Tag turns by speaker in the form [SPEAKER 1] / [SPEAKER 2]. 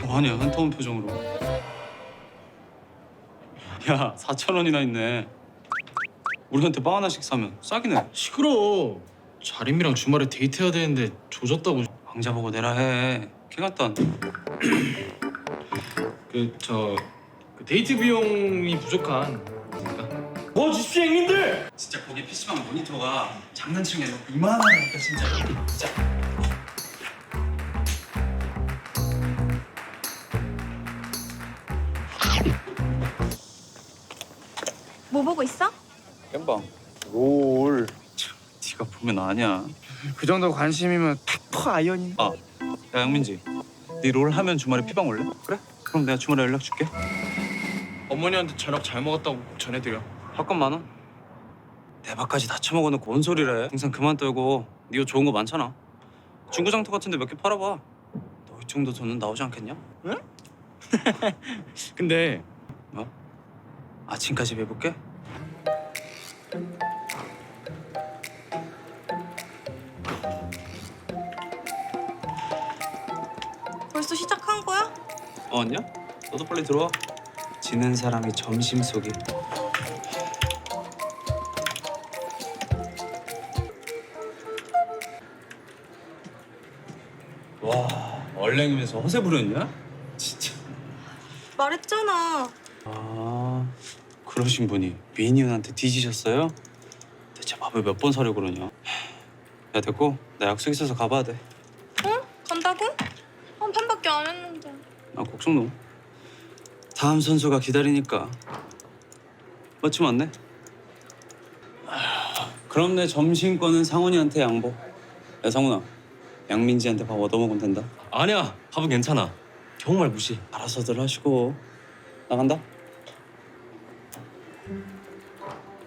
[SPEAKER 1] 뭐하냐 한타운 표정으로. 야 4,000원이나 있네. 우리한테 빵 하나씩 사면 싸기네.
[SPEAKER 2] 시끄러. 자림이랑 주말에 데이트해야 되는데 조졌다고.
[SPEAKER 1] 왕자 보고 내라 해. 개같단.
[SPEAKER 2] 그 데이트 비용이 부족한 거니까.
[SPEAKER 3] 뭐 주십시오 형님들.
[SPEAKER 1] 진짜 거기 PC방 모니터가 장난치는 게 아니고 이만하다니까 진짜.
[SPEAKER 4] 뭐 보고 있어?
[SPEAKER 1] 깸방. 롤. 참, 네가 보면 아냐.
[SPEAKER 3] 그 정도 관심이면 탁퍼 아이언이.
[SPEAKER 1] 아, 야 양민지. 네 롤 하면 주말에 피방 올래? 그래? 그럼 내가 주말에 연락 줄게.
[SPEAKER 2] 어머니한테 저녁 잘 먹었다고 꼭 전해드려.
[SPEAKER 1] 밥값 10,000원. 내 밥까지 다 처먹어놓고 뭔 소리래. 항상 그만 떨고. 네 옷 좋은 거 많잖아. 중고장터 같은데 몇 개 팔아봐. 너 이 정도 돈은 나오지 않겠냐?
[SPEAKER 2] 근데
[SPEAKER 1] 뭐? 아침까지 해볼게?
[SPEAKER 4] 벌써 시작한 거야?
[SPEAKER 1] 왔냐? 너도 빨리 들어와. 지는 사람이 점심 쏘기. 와, 얼랭이면서 허세 부렸냐? 진짜.
[SPEAKER 4] 말했잖아.
[SPEAKER 1] 아, 그러신 분이 미니언한테 뒤지셨어요? 대체 밥을 몇 번 사려고 그러냐? 야, 됐고. 나 약속 있어서 가봐야 돼.
[SPEAKER 4] 응? 간다고? 한 판밖에 안 했는데.
[SPEAKER 1] 아, 곡성놈. 다음 선수가 기다리니까. 마침 왔네. 그럼 내 점심권은 상훈이한테 양보. 야, 상훈아. 양민지한테 밥 얻어먹으면 된다.
[SPEAKER 5] 아니야, 밥은 괜찮아. 정말 무시.
[SPEAKER 1] 알아서들 하시고. 나간다.